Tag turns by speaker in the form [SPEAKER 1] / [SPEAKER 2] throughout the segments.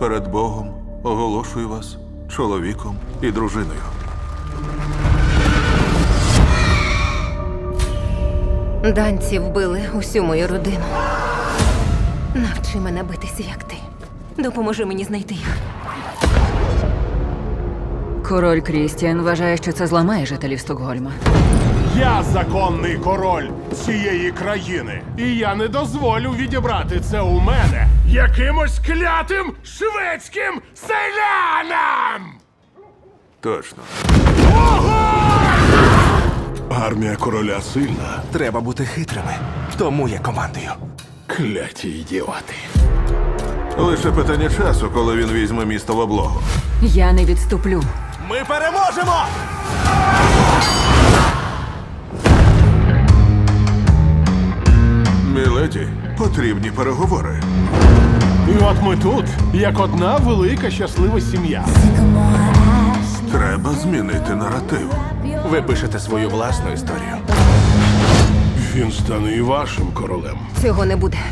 [SPEAKER 1] перед Богом оголошую вас чоловіком і дружиною.
[SPEAKER 2] Данці вбили усю мою родину. Навчи мене битися, як ти. Допоможи мені знайти їх.
[SPEAKER 3] Король Крістіан вважає, що це зламає жителів Стокгольма.
[SPEAKER 4] Я законний король цієї країни. І я не дозволю відібрати це у мене якимось клятим шведським селянам!
[SPEAKER 1] Точно.
[SPEAKER 4] Армія короля сильна.
[SPEAKER 5] Треба бути хитрими. Тому я командую.
[SPEAKER 4] Кляті ідіоти.
[SPEAKER 1] Лише питання часу, коли він візьме місто в облогу.
[SPEAKER 3] Я не відступлю.
[SPEAKER 5] Ми переможемо!
[SPEAKER 1] Міледі, потрібні переговори.
[SPEAKER 4] І от ми тут, як одна велика щаслива сім'я.
[SPEAKER 1] Треба змінити наратив.
[SPEAKER 5] Ви пишете свою власну історію.
[SPEAKER 4] Він стане і вашим королем.
[SPEAKER 2] Цього не буде.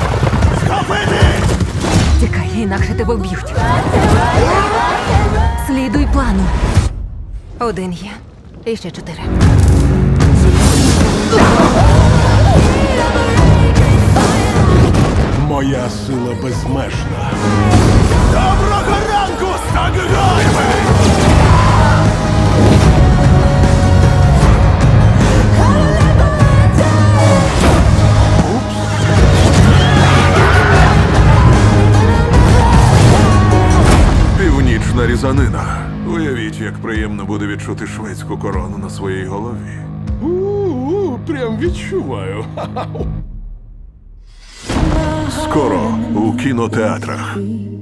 [SPEAKER 3] Тікай, інакше тебе вб'ють. Слідуй плану.
[SPEAKER 2] Один є. І ще 4.
[SPEAKER 4] Моя сила безмежна.
[SPEAKER 5] Доброго ранку, Стокгольме!
[SPEAKER 1] Північна різанина. Уявіть, як приємно буде відчути шведську корону на своїй голові.
[SPEAKER 4] Прям відчуваю.
[SPEAKER 1] Скоро у кінотеатрах.